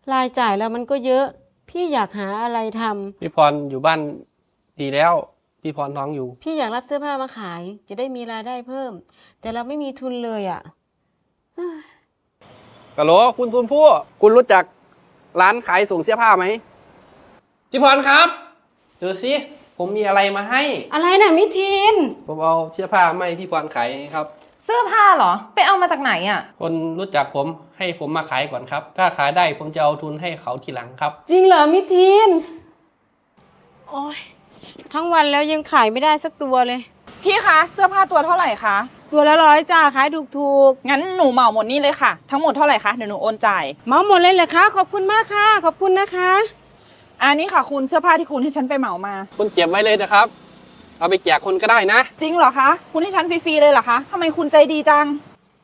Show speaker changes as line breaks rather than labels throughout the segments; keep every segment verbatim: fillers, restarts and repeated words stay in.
รายจ่ายแล้วมันก็เยอะ พี่อยากหาอะไรทำ
พี่พรอยู่บ้านดีแล้ว พี่พรท้องอยู่
พี่อยากรับเสื้อผ้ามาขาย จะได้มีรายได้เพิ่ม แต่เราไม่มีทุนเลยอ่ะ
กะโหลคุณซุนพู่คุณรู้จักร้านขายส่งเสื้อผ้าไหมพี่พรครับดูสิผมมีอะไรมาให้
อะไรนะมิทิน
ผมเอาเสื้อผ้ามาให้พี่พรขายครับ
เสื้อผ้าเหรอไปเอามาจากไหนอ่ะ
คนรู้จักผมให้ผมมาขายก่อนครับ ถ้าขายได้ผมจะเอาทุนให้เขาทีหลังครับ
จริงเหรอมิทินโอ้ยทั้งวันแล้วยังขายไม่ได้สักตัวเลย
พี่คะเสื้อผ้าตัวเท่าไหร่คะ
ตัวละร้อยจ้าขายถูกถูก
งั้นหนูเหมาหมดนี่เลยค่ะทั้งหมดเท่าไหร่คะเดี๋ยวหนูโอนจ่าย
เหมาหมดเลยเหรอคะขอบคุณมากค่ะขอบคุณนะคะ
อันนี้ค่ะคุณเสื้อผ้าที่คุณให้ฉันไปเหมามา
คุณเก็บไว้เลยนะครับเอาไปแจกคนก็ได้นะ
จริงเหรอคะคุณให้ฉันฟรีๆเลยเหรอคะทำไมคุณใจดีจัง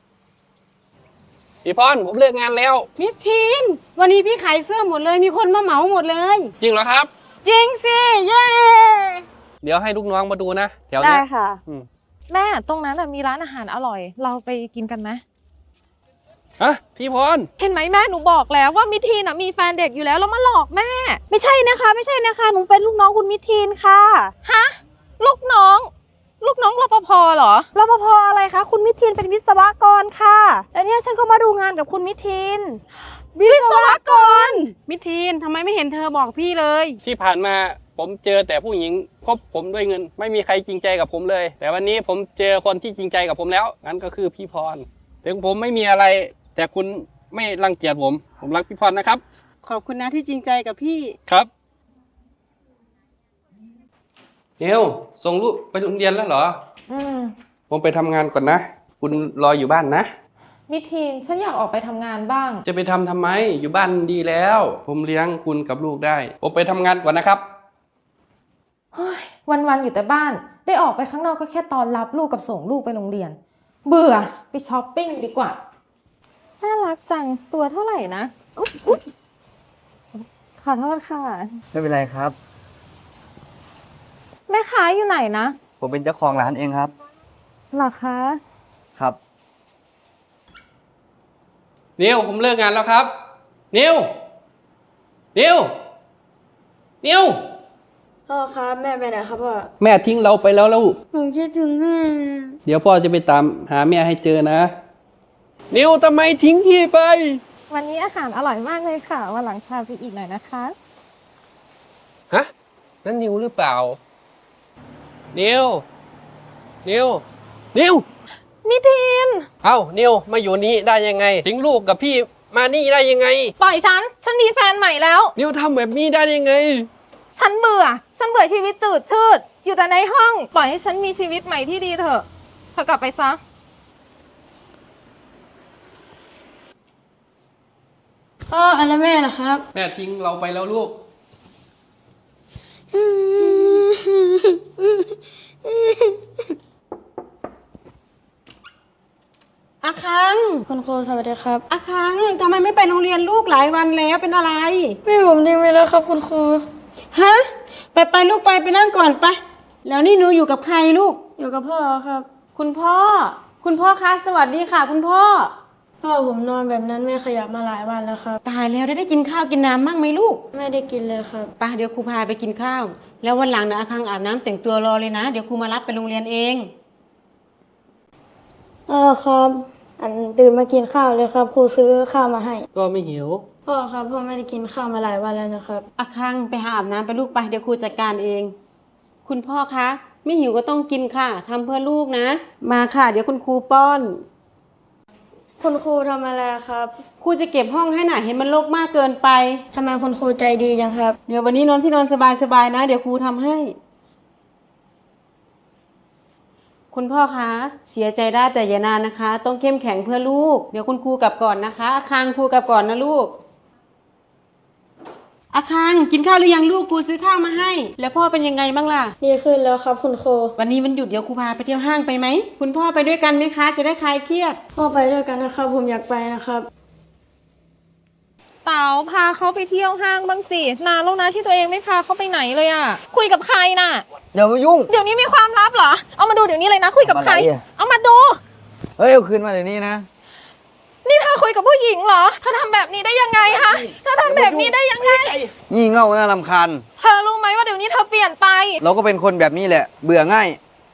พี่พรผมเลิกงานแล้ว
มิทินวันนี้พี่ขายเสื้อหมดเลยมีคนมาเหมาหมดเลย
จริงเหรอครับ
จริงสิเย้
เดี๋ยวให้ลูกน้องมาดูนะแถวนี้
ได้ค่ะ
แม่ตรงนั้นมีร้านอาหารอร่อยเราไปกินกันไหม
ฮะพี่พร
เห็นไหมแม่หนูบอกแล้วว่ามิทีนมีแฟนเด็กอยู่แล้วแล้วมาหลอกแม่
ไม่ใช่นะคะไม่ใช่นะคะหนูเป็นลูกน้องคุณมิทินค่ะ
ฮะลูกน้องลูกน้องรปภเหรอ
รปภอะไรคะคุณมิทินเป็นวิศวกรค่ะแล้วเนี่ยฉันก็มาดูงานกับคุณมิทิน
วิศวกร
มิทินทำไมไม่เห็นเธอบอกพี่เลย
ที่ผ่านมาผมเจอแต่ผู้หญิงคบผมด้วยเงินไม่มีใครจริงใจกับผมเลยแต่วันนี้ผมเจอคนที่จริงใจกับผมแล้วงั้นก็คือพี่พรถึงผมไม่มีอะไรแต่คุณไม่รังเกียจผมผมรักพี่พรนะครับ
ขอบคุณนะที่จริงใจกับพี่
ครับเนียวส่งลูกไปโรงเรียนแล้วเหรอ
อืม
ผมไปทำงานก่อนนะคุณรออยู่บ้านนะ
มิทีนฉันอยากออกไปทำงานบ้าง
จะไปทำทำไมอยู่บ้านดีแล้วผมเลี้ยงคุณกับลูกได้ผมไปทำงานก่อนนะครับ
วันๆอยู่แต่บ้านได้ออกไปข้างนอกก็แค่ตอนรับลูกกับส่งลูกไปโรงเรียนเบื่อไปช้อปปิ้งดีกว่าน่ารักจังตัวเท่าไหร่นะอุ๊ยขอโทษค่ะ
ไม่เป็นไรครับ
แม่ค้าอยู่ไหนนะ
ผมเป็นเจ้าของร้านเองครับ
เหรอคะ
ครับ
นิวผมเลิกงานแล้วครับนิวนิวนิว
พ่อครับแม่ไปไหนครับพ่อ
แม่ทิ้งเราไปแล้วลูก
ผมคิดถึงแม่
เดี๋ยวพ่อจะไปตามหาแม่ให้เจอนะนิวทำไมทิ้งพี่ไป
วันนี้อาหารอร่อยมากเลยค่ะวันหลังพาไปอีกหน่อยนะคะ
ฮะนั่นนิวหรือเปล่านิวนิวนิว
มิทีน
เอ้านิวมาอยู่นี่ได้ยังไงทิ้งลูกกับพี่มานี่ได้ยังไง
ปล่อยฉันฉันมีแฟนใหม่แล้ว
นิวทำแบบนี้ได้ยังไง
ฉันเบื่อฉันเบื่อชีวิตจืดชืดอยู่แต่ในห้องปล่อยให้ฉันมีชีวิตใหม่ที่ดีเถอะเธอกลับไปซะ
พ่ออะไรแม่ล่ะครับ
แม่ทิ้งเราไปแล้วลูก
อาคัง
คุณครูสวัสดีครับ
อาคังทำไมไม่ไปโรงเรียนลูกหลายวันแล้วเป็นอะไร
แม่ผมทิ้งไปแล้วครับคุณครู
ฮะไปไปลูกไปไปนั่งก่อนไปแล้วนี่หนูอยู่กับใครลูก
อยู่กับพ่อครับ
คุณพ่อคุณพ่อคะสวัสดีค่ะคุณพ่อ
พ่อผมนอนแบบนั้นไม่ขยับมาหลายวันแล้วครับ
ตายแล้วได้ได้กินข้าวกินน้ำบ้างไหมลูก
ไม่ได้กินเลยครับ
ไปเดี๋ยวครูพาไปกินข้าวแล้ววันหลังนะอาคังอาบน้ำแต่งตัวรอเลยนะเดี๋ยวครูมารับไปโรงเรียนเอง
เออครับอันตื่นมากินข้าวเลยครับครูซื้อข้าวมาให้
ก็ไม่หิว
พ่อครับพ่อไม่ได้กินข้าวมาหลายวันแล้วนะครับ
อาคังไปหาอาบน้ำไปลูกไปเดี๋ยวครูจัดการเองคุณพ่อคะไม่หิวก็ต้องกินค่ะทำเพื่อลูกนะมาค่ะเดี๋ยวคุณครูป้อน
คุณครูทำอะไรครับ
ครูจะเก็บห้องให้หน่ะเห็นมันรกมากเกินไป
ทำไมคุณครูใจดีจังครับ
เดี๋ยววันนี้นอนที่นอนสบายๆนะเดี๋ยวครูทำให้คุณพ่อคะเสียใจได้แต่อย่านานนะคะต้องเข้มแข็งเพื่อลูกเดี๋ยวคุณครูกลับก่อนนะคะอาคังครูกลับก่อนนะลูกอาคังกินข้าวหรือยังลูกครูซื้อข้าวมาให้แล้วพ่อเป็นยังไงบ้างล่ะ
ดีขึ้นแล้วครับคุณครู
วันนี้มันหยุดเดี๋ยวครูพาไปเที่ยวห้างไปไหมคุณพ่อไปด้วยกันไหมคะจะได้คลายเครียด
พ่อไปด้วยกันนะครับผมอยากไปนะครับ
เต๋าพาเขาไปเที่ยวห้างบ้างสินานแล้วนะที่ตัวเองไม่พาเขาไปไหนเลยอ่ะคุยกับใครน่ะ
เดี๋ยวมายุ่ง
เดี๋ยวนี้มีความลับเหรอเอามาดูเดี๋ยวนี้เลยนะคุยกับใครเอามาดู
เฮ้ยเอาคืนมาเดี๋ยวนี้นะ
นี่เธอคุยกับผู้หญิงเหรอ เธอทำแบบนี้ได้ยังไงฮะ เธอทำแบบนี้ได้ยังไง
งี่เง่าน่ารำคาญ
เธอรู้ไหมว่าเดี๋ยวนี้เธอเปลี่ยนไป
เราก็เป็นคนแบบนี้แหละ เบื่อง่าย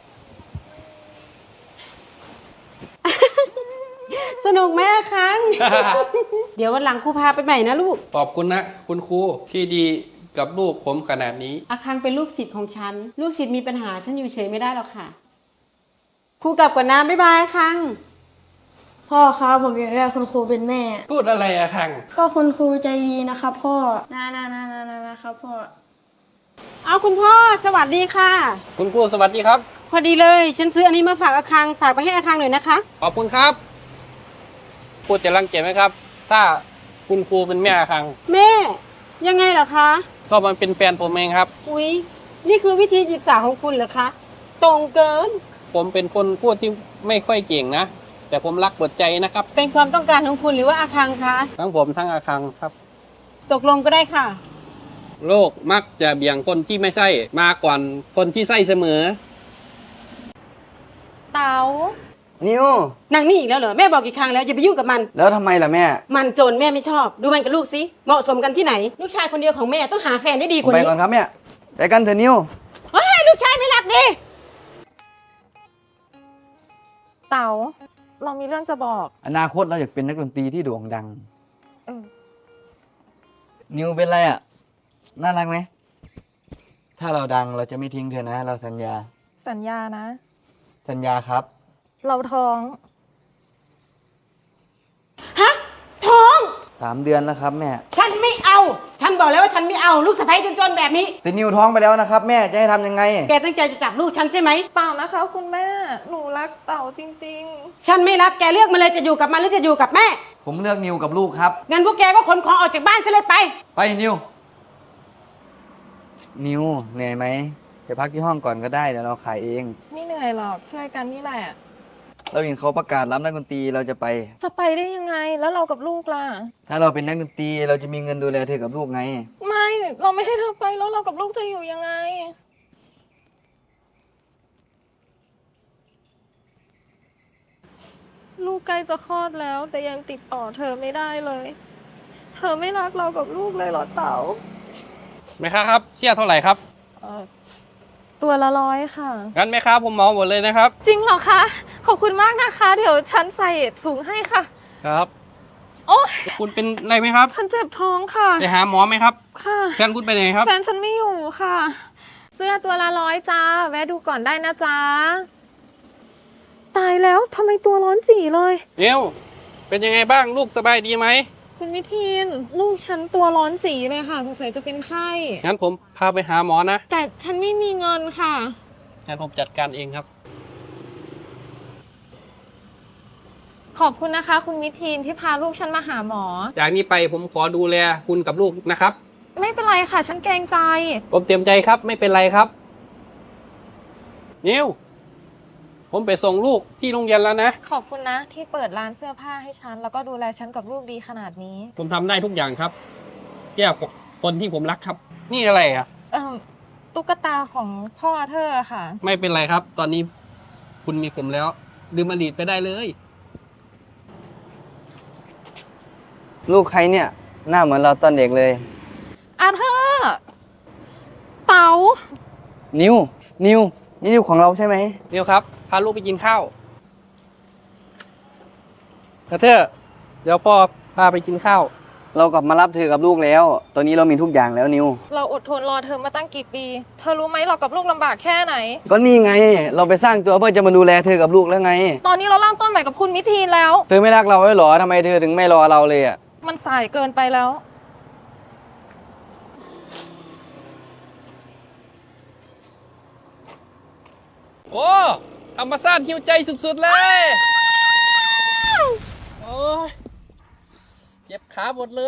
สนุกไหมอาคัง เดี๋ยววันหลังครูพาไปใหม่นะลูก
ขอบคุณนะ คุณครูที่ดีกับลูกผมขนาดนี้
อาคังเป็นลูกศิษย์ของฉัน ลูกศิษย์มีปัญหาฉันอยู่เฉยไม่ได้หรอกค่ะ ครูกลับก่อนนะบ๊ายบายอาคัง
พ่อครับผมอยากได้คุณครูเป็นแม่
พูดอะไรอะคัง
ก็คุณครูใจดีนะครับพ่อนานานานานานะครับพ่อ
เอาคุณพ่อสวัสดีค่ะ
คุณครูสวัสดีครับ
พอดีเลย ฉันซื้ออันนี้มาฝากอาคัง ฝากไปให้อาคังหน่อยนะคะ
ขอบคุณครับ พูดจะรังเกียจไหมครับ ถ้าคุณครูเป็นแม่คัง
แม่ ยังไงเหรอคะ
ก็มันเป็นแฟนผมเองครับ
อุ๊ย นี่คือวิธีจีบสาวของคุณเหรอคะ ตรงเกิน
ผมเป็นคนพูดที่ไม่ค่อยเก่งนะ แต่ผมรักหมดใจนะครับ
เป็นความต้องการของคุณหรือว่าอาคังคะ
ทั้งผมทั้งอาคังครับ
ตกลงก็ได้ค่ะ
โลกมักจะเบี่ยงคนที่ไม่ใช่มาก่อนคนที่ใช่เสมอ
เต๋า
นิว
นางนี่อีกแล้วเหรอ แม่บอกกี่ครั้งแล้วอย่าไปยุ่งกับมัน
แล้วทำไมล่ะแม่
มันโจรแม่ไม่ชอบ ดูมันกับลูกสิ เหมาะสมกันที่ไหน ลูกชายคนเดียวของแม่ต้องหาแฟนได้ดีก
ผม
ว่า
ไป
นี้
ก่อนครับแม่ ไปกันเถอะนิว
เฮ้ยลูกชายไม่รักดิ
เต๋า เรามีเรื่องจะบอก
อนาคตเราอยากเป็นนักดนตรีที่โด่งดัง
เออ
นิวเป็นไรอ่ะ น่ารักไหม ถ้าเราดังเราจะไม่ทิ้งเธอนะ เราสัญญา
สัญญานะ
สัญญาครับ
เราท้อง
ฮะ ท้อง
สามเดือนแล้วครับแม่
ฉันไม่เอา ฉันบอกแล้วว่าฉันไม่เอา ลูกสะใภ้จนๆแบบนี้
แต่นิวท้องไปแล้วนะครับ แม่จะให้ทำยังไง
แกตั้งใจจะจับลูกฉันใช่ไหม
เปล่านะคะคุณแม่ หนูรักเต๋าจริง
ฉันไม่รับ แกเลือกมาเลยจะอยู่กับมันหรือจะอยู่กับแม่
ผมเลือกนิวกับลูกครับ
งั้นพวกแกก็ขนของออกจากบ้านซะเลยไป
ไปนิว นิวเหนื่อยไหมไปพักที่ห้องก่อนก็ได้เดี๋ยวเราขายเอง
ๆ ไม่เหนื่อยหรอก ช่วยกันนี่แหละ
เราเห็นเขาประกาศรับนักดนตรีเราจะไป
จะไปได้ยังไง แล้วเรากับลูกล่ะ
ถ้าเราเป็นนักดนตรีเราจะมีเงินดูแลเธอกับลูกไง
ไม่ เราไม่ให้เธอไปแล้วเรากับลูกจะอยู่ยังไง ลูกใกล้จะคลอดแล้ว แต่ยังติดต่อเธอไม่ได้เลย เธอไม่รักเรากับลูกเลยเหรอเต๋า
แม่ค้าครับเสี้ยเท่าไหร่ครับ
เอ่อตัวละร้อยค่ะ
งั้นแม่ค้าผมเหมาหมดเลยนะครับ
จริงเหรอคะ ขอบคุณมากนะคะ เดี๋ยวฉันใส่ถุงให้ค่ะ
ครับ
โอ้ย
คุณเป็นอะไรไหมครับ
ฉันเจ็บท้องค่ะ
ไปหาหมอไหมครับ
ค่ะ
แฟนคุณไปไหนครับ
แฟนฉันไม่อยู่ค่ะ เสื้อตัวละร้อยจ้า แวะดูก่อนได้นะจ๊ะ ตายแล้วทำไมตัวร้อนจี่เลย
เนียวเป็นยังไงบ้างลูกสบายดีไหม
คุณวิทีนลูกฉันตัวร้อนจี่เลยค่ะสงสัยจะเป็นไข้
งั้นผมพาไปหาหมอนะ
แต่ฉันไม่มีเงินค่ะ
งั้นผมจัดการเองครับ
ขอบคุณนะคะ คุณวิทีนที่พาลูกฉันมาหาหมอ
จากนี้ไปผมขอดูแลคุณกับลูกนะครับ
ไม่เป็นไรค่ะ ฉันเกรงใจ
ผมเตรียมใจครับ ไม่เป็นไรครับ นิวผมไปส่งลูกที่โรงเรียนแล้วนะ
ขอบคุณนะ ที่เปิดร้านเสื้อผ้าให้ฉัน แล้วก็ดูแลฉันกับลูกดีขนาดนี้
ผมทำได้ทุกอย่างครับเกี่ยวกับคนที่ผมรักครับ นี่อะไรอ่ะ
เอ่อตุ๊กตาของพ่อเธอค่ะ
ไม่เป็นไรครับ ตอนนี้คุณมีผมแล้วลืมอดีตไปได้เลย
ลูกใครเนี่ย หน้าเหมือนเราตอนเด็กเลย
อาเธอร์เต๋า
นิว นิว นี่นิวของเราใช่ไหม
นิวครับ พาลูกไปกินข้าวกระเทอเดี๋ยวพ่อพาไปกินข้าว
เรากลับมารับเธอกับลูกแล้ว ตอนนี้เรามีทุกอย่างแล้วนิว
เราอดทนรอเธอมาตั้งกี่ปี เธอรู้ไหมเรากับลูกลำบากแค่ไหน
ก็นี่ไง เราไปสร้างตัวเพื่อจะมาดูแลเธอกับลูกแล้วไง
ตอนนี้เราเริ่มต้นใหม่กับคุณวิทีนแล้ว
เธอไม่รักเราไว้หรอทำไมเธอถึงไม่รอเราเลยอ่ะ
มันสายเกินไปแล้ว
โอ้ธรรมชาติหิวใจสุดๆเลย โอ้ยเจ็บขาหมดเลย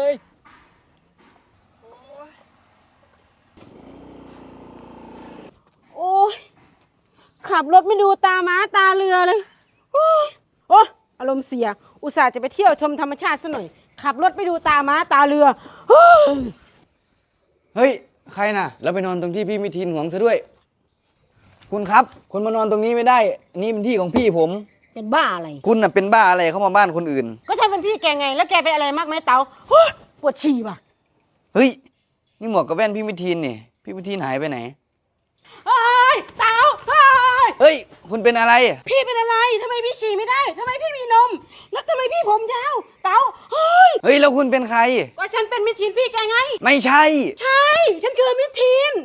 โอ้ยขับรถไม่ดูตาม้าตาเรือเลย โอ้ยโอ้ยอารมณ์เสีย อุตส่าห์จะไปเที่ยวชมธรรมชาติซะหน่อย ขับรถไม่ดูตาม้าตาเรือโอ้ย
เฮ้ย ใครน่ะ แล้วไปนอนตรงที่พี่มิทินหวงซะด้วย คุณครับ คนมานอนตรงนี้ไม่ได้ นี่เป็นที่ของพี่ผม
เป็นบ้าอะไร
คุณน่ะเป็นบ้าอะไรเข้ามาบ้านคนอื่น
ก็ฉันเป็นพี่แกไง แล้วแกเป็นอะไรมากไหมเต๋าโอ๊ยปวดฉี่ว่ะ
เฮ้ย นี่หมวกกับแว่นพี่มิทีนนี่ พี่มิทีนหายไปไหน
เฮ้ยเต๋าเฮ้ย
เฮ้ย คุณเป็นอะไร
พี่เป็นอะไรทำไมพี่ฉี่ไม่ได้ทำไมพี่มีนม แล้วทำไมพี่ผมยาว เต๋าเฮ้ย
เฮ้ย แล้วคุณเป็นใคร
ก็ฉันเป็นมิทีนพี่แกไง
ไม่ใช่
ใช่ ฉันคือมิทีน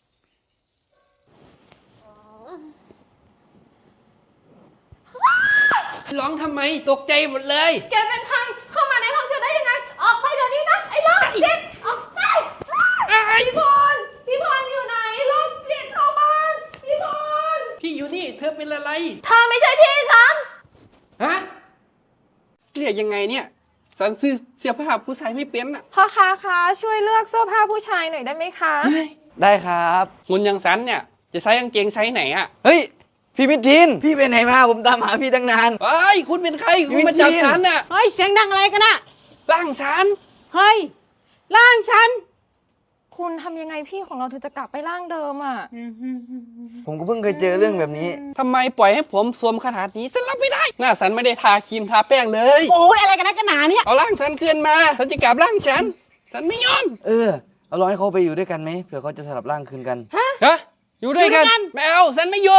ร้องทำไมตกใจหมดเลย
แกเป็นใคร เข้ามาในห้องฉันได้ยังไง ออกไปเดี๋ยวนี้นะ ไอ้โรคจิตออกไปพี่พรพี่พรอยู่ไหนโรคจิตเข้าบ้านพี่พร
พี่อยู่นี่เธอเป็นอะไร
เธอไม่ใช่พี่ฉัน
ฮะเรียกยังไงเนี่ยสันซื้อเสื้อผ้าผู้ชายไม่เป็นอ่ะ
พ่อค้าคะช่วยเลือกเสื้อผ้าผู้ชายหน่อยได้ไหมคะ
เฮ้ย
ได้ครับ
หุ่นอยังสันเนี่ย จะใส่กางเกงไซส์ไหนอ่ะ
เฮ้ย พี่มิทีนพี่ไปไหนมา ผมตามหาพี่ตั้งนาน
เฮ้ยคุณเป็นใครคุณมาจับฉันอ่ะ
เฮ้ย เสียงดังอะไรกันน่ะ
ร่างฉัน
เฮ้ย ร่างฉัน
คุณทำยังไงพี่ของเราถึงจะกลับไปร่างเดิมอ่ะ
ผมก็เพิ่งเคยเจอเรื่องแบบนี้
ทำไมปล่อยให้ผมสวมขนาดนี้ฉันรับไม่ได้ หน้าสันไม่ได้ทาครีมทาแป้งเลย
โอ้ยอะไรกันนะกันหนาเนี่ย
เอาร่างสันคืนมาฉันจะกลับร่างฉันฉันไม่ยอม
เออ เอาลองให้เขาไปอยู่ด้วยกันไหมเผื่อเขาจะสลับร่างคืนกัน
ฮะอยู่ด้วยกัน
อยู่ด้วยกัน
ไม่เอาฉันไม่อยู่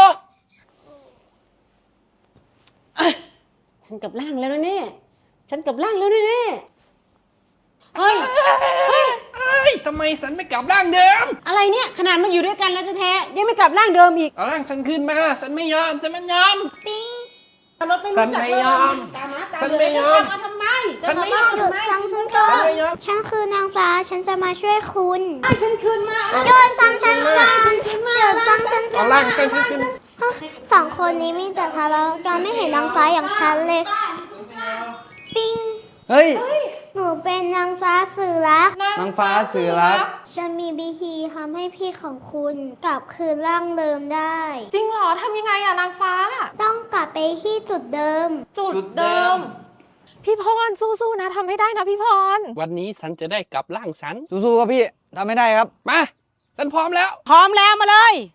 ฉันกลับร่างแล้วนะเนี่ยฉันกลับร่างแล้วนะเนี่ยเฮ้ย เฮ้ย
เอ้ยทำไมสันไม่กลับร่างเดิม
อะไรเนี่ย ขนาดมาอยู่ด้วยกันแล้วแท้ๆยังไม่กลับร่างเดิมอีก
เอาร่างฉันคืนมาฉันไม่ยอมฉันไม่ยอม
รถไม่รู้จัก
ฉันไม่ยอม
ตามมาตาม
ฉันไม่ยอม
จะขับมาทำไม
ฉันไม่ยอม
จะขับาทำไม
ฟังฉันก่อ
ฉัน
น
ไม่ยอม
ฉันคือนางฟ้า ฉันจะมาช่วยคุณ
ให้ฉันคืนมา
โยนฟังฉันก่อนเดี๋ยวฟังฉัน
เอาร่างฉันคืน
สองคนนี้มีแต่ทะเลาะกันไม่เห็นนางฟ้าอย่างฉันเลย ปิ้ง
เฮ้ย
หนูเป็นนางฟ้าสื่อรัก
นางฟ้าสื่อรัก
ฉันมีวิธีทำให้พี่ของคุณกลับคืนร่างเดิมได้
จริงเหรอทำยังไงอะนางฟ้า
ต้องกลับไปที่จุดเดิม
จุดเดิม พี่พรสู้ๆนะทำให้ได้นะพี่พร
วันนี้ฉันจะได้กลับร่างฉัน
สู้ๆครับพี่ทำไม่ได้ครับ
มาฉันพร้อมแล้ว
พร้อมแล้วมาเลย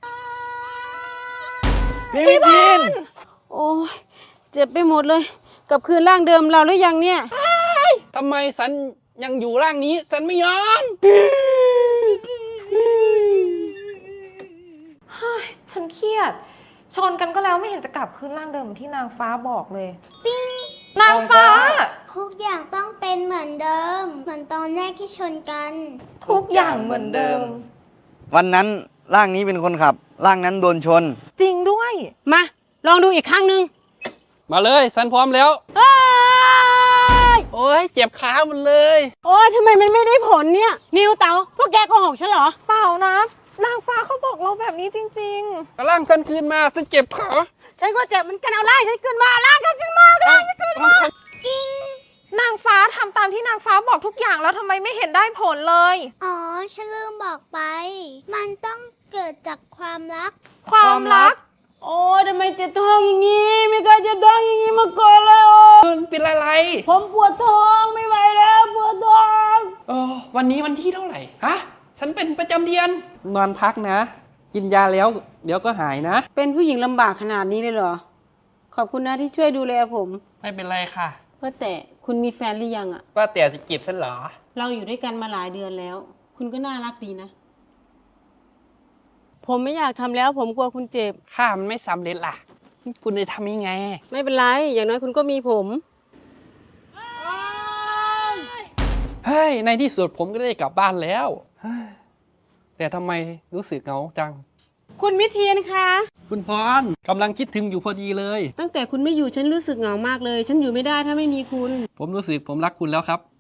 พี่มิทีน
โอ้ยเจ็บไปหมดเลย กลับคืนร่างเดิมเราหรือยังเนี่ย
ทำไมฉันยังอยู่ร่างนี้ฉันไม่ยอม
ฉันเครียด ชนกันก็แล้วไม่เห็นจะกลับคืนร่างเดิมเหมือนที่นางฟ้าบอกเลย
ปิ้ง
นางฟ้า
ทุกอย่างต้องเป็นเหมือนเดิม เหมือนตอนแรกที่ชนกัน
ทุกอย่างเหมือนเดิม
วันนั้นร่างนี้เป็นคนขับ ร่างนั้นโดนชน
จริงด้วย
มา ลองดูอีกครั้งหนึ่ง
มาเลยฉันพร้อมแล้ว
เอ้ย
โอ้ยเจ็บขาหมดเลย
โอ้ยทำไมมันไม่ได้ผลเนี่ย นิวเต๋าพวกแกโกหกฉันเหรอ
เปล่านะ นางฟ้าเขาบอกเราแบบนี้จริง
เอาร่างฉันคืนมาฉันเจ็บขา
ฉันก็เจ็บเหมันกันเอาล่างฉันขึ้นมาล่างฉันขึ้นมาล่างฉันขึ้นมา
ๆ นางฟ้าทำตามที่นางฟ้าบอกทุกอย่างแล้วทำไมไม่เห็นได้ผลเลย
อ๋อ ฉันลืมบอกไป มันต้องเกิดจากความรัก
ความรัก
โอ้ยทำไมเจ็บท้องอย่างนี้ ไม่เคยเจ็บท้องอย่างนี้มาก่อนเลยโอ้ย
คุณเป็นอะไร
ผมปวดท้องไม่ไหวแล้วปวดท้อง
เออวันนี้วันที่เท่าไหร่ ฮะ ฉันเป็นประจำเดือน นอนพักนะ กินยาแล้วเดี๋ยวก็หายนะ
เป็นผู้หญิงลำบากขนาดนี้เลยเหรอ ขอบคุณนะที่ช่วยดูแลผม
ไม่เป็นไรค่ะ
ว่าแต่คุณมีแฟนหรือยังอะ
ว่าแต่จะจีบฉันเหรอ
เราอยู่ด้วยกันมาหลายเดือนแล้ว คุณก็น่ารักดีนะ ผมไม่อยากทำแล้วผมกลัวคุณเจ็บ
ถ้ามันไม่สำเร็จล่ะ คุณจะทำยังไง
ไม่เป็นไร อย่างน้อยคุณก็มีผม
เฮ้ย ในที่สุดผมก็ได้กลับบ้านแล้วเฮ้ยแต่ทำไมรู้สึกเหงาจัง
คุณมิเทียนคะ
คุณพรกำลังคิดถึงอยู่พอดีเลย
ตั้งแต่คุณไม่อยู่ฉันรู้สึกเหงามากเลย ฉันอยู่ไม่ได้ถ้าไม่มีคุณ
ผมรู้สึกผมรักคุณแล้วครับ